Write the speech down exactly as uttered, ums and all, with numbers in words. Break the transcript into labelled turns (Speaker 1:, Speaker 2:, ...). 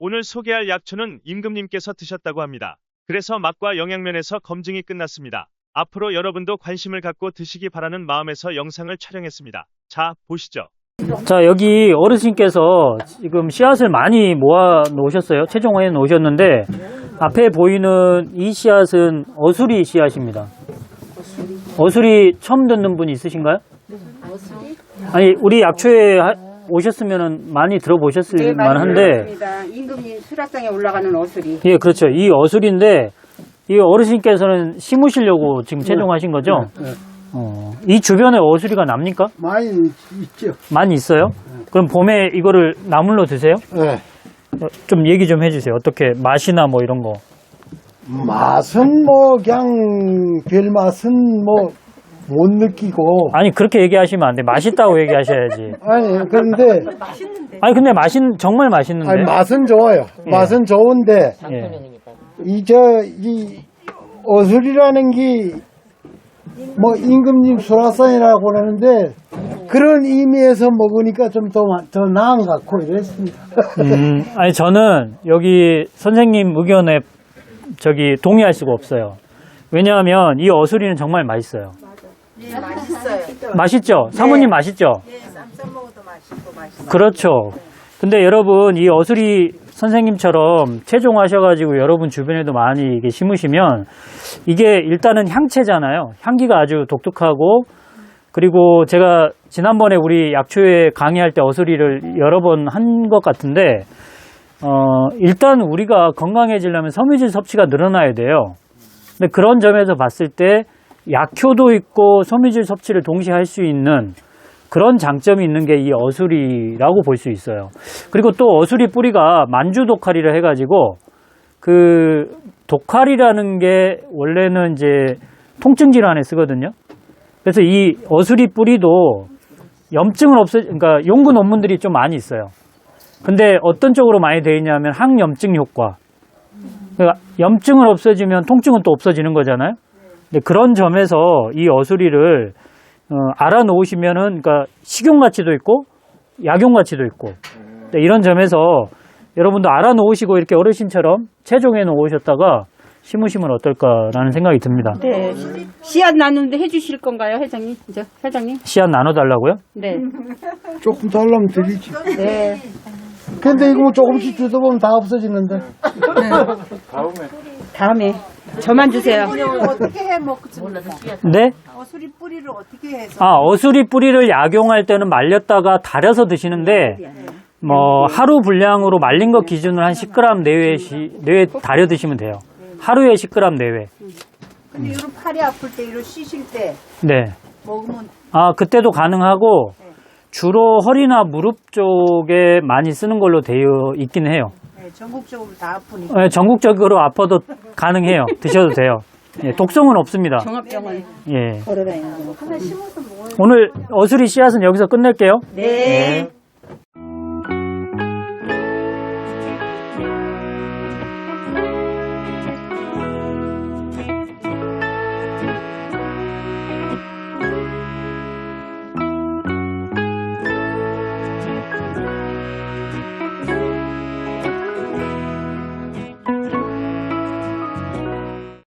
Speaker 1: 오늘 소개할 약초는 임금님께서 드셨다고 합니다. 그래서 맛과 영양면에서 검증이 끝났습니다. 앞으로 여러분도 관심을 갖고 드시기 바라는 마음에서 영상을 촬영했습니다. 자, 보시죠.
Speaker 2: 자, 여기 어르신께서 지금 씨앗을 많이 모아 놓으셨어요. 채종해 놓으셨는데 앞에 보이는 이 씨앗은 어수리 씨앗입니다. 어수리 처음 듣는 분 있으신가요? 아니, 우리 약초에 하- 오셨으면 많이 들어보셨을
Speaker 3: 네, 많이
Speaker 2: 만한데,
Speaker 3: 들었습니다. 임금님 수락상에 올라가는 어수리.
Speaker 2: 예, 그렇죠. 이 어수리인데 이 어르신께서는 심으시려고 지금 채종하신 거죠?
Speaker 4: 네.
Speaker 2: 어, 이 주변에 어수리가 납니까?
Speaker 4: 많이 있죠.
Speaker 2: 많이 있어요? 그럼 봄에 이거를 나물로 드세요?
Speaker 4: 네.
Speaker 2: 어, 좀 얘기 좀 해주세요. 어떻게 맛이나 뭐 이런 거.
Speaker 4: 맛은 뭐 그냥 별 맛은 뭐 못 느끼고.
Speaker 2: 아니 그렇게 얘기하시면 안 돼. 맛있다고 얘기하셔야지.
Speaker 4: 아니 그런데
Speaker 2: 아니 근데 맛있 정말 맛있는데.
Speaker 4: 아니, 맛은 좋아요.
Speaker 2: 예.
Speaker 4: 맛은 좋은데
Speaker 2: 예.
Speaker 4: 이 저 이 어술이라는 게 뭐 임금님 수라상이라고 그러는데 그런 의미에서 먹으니까 좀 더 더 나은 것 같고 이랬습니다.
Speaker 2: 음, 아니 저는 여기 선생님 의견에 저기 동의할 수가 없어요. 왜냐하면 이 어수리는 정말 맛있어요.
Speaker 3: 네, 맛있어요.
Speaker 2: 맛있죠? 사모님 맛있죠?
Speaker 3: 네, 쌈싸 먹어도 맛있고 맛있어요.
Speaker 2: 그렇죠. 근데 여러분 이 어수리 선생님처럼 채종하셔가지고 여러분 주변에도 많이 이게 심으시면 이게 일단은 향채잖아요. 향기가 아주 독특하고 그리고 제가 지난번에 우리 약초에 강의할 때 어수리를 여러 번 한 것 같은데 어 일단 우리가 건강해지려면 섬유질 섭취가 늘어나야 돼요. 근데 그런 점에서 봤을 때 약효도 있고 섬유질 섭취를 동시에 할 수 있는 그런 장점이 있는 게 이 어수리라고 볼 수 있어요. 그리고 또 어수리 뿌리가 만주 독칼이라 해가지고 그 독칼이라는 게 원래는 이제 통증 질환에 쓰거든요. 그래서 이 어수리 뿌리도 염증을 없애, 그러니까 연구 논문들이 좀 많이 있어요. 근데 어떤 쪽으로 많이 되어 있냐면 항염증 효과. 그러니까 염증을 없애주면 통증은 또 없어지는 거잖아요. 근데 그런 점에서 이 어수리를 어, 알아놓으시면은, 그러니까 식용 가치도 있고, 약용 가치도 있고, 네, 이런 점에서 여러분도 알아놓으시고 이렇게 어르신처럼 채종해 놓으셨다가 심으시면 어떨까라는 생각이 듭니다.
Speaker 3: 네. 씨앗 나누는데 해주실 건가요, 회장님? 저 회장님?
Speaker 2: 씨앗 나눠달라고요?
Speaker 3: 네.
Speaker 4: 조금 달라면 드리지.
Speaker 3: 네.
Speaker 4: 근데 이거 뭐 조금씩 주다 보면 다 없어지는데.
Speaker 3: 다음에 저만 주세요.
Speaker 5: 어떻게 해 먹습니까?
Speaker 2: 네?
Speaker 5: 어수리 뿌리를 어떻게 해서?
Speaker 2: 아, 어수리 뿌리를 약용할 때는 말렸다가 달여서 드시는데, 뭐, 하루 분량으로 말린 것 기준으로 한 십 그램 내외, 시, 내외 달여 드시면 돼요. 하루에 십 그램 내외.
Speaker 5: 근데 이런 팔이 아플 때, 이런 쉬실 때
Speaker 2: 네.
Speaker 5: 먹으면
Speaker 2: 아, 그때도 가능하고, 주로 허리나 무릎 쪽에 많이 쓰는 걸로 되어 있긴 해요.
Speaker 5: 네, 전국적으로 다 아프니까.
Speaker 2: 네, 전국적으로 아파도 가능해요. 드셔도 돼요. 예, 독성은 없습니다.
Speaker 3: 종합병원
Speaker 2: 예.
Speaker 3: 걸어다니는 거.
Speaker 2: 오늘 어수리 씨앗은 여기서 끝낼게요.
Speaker 3: 네.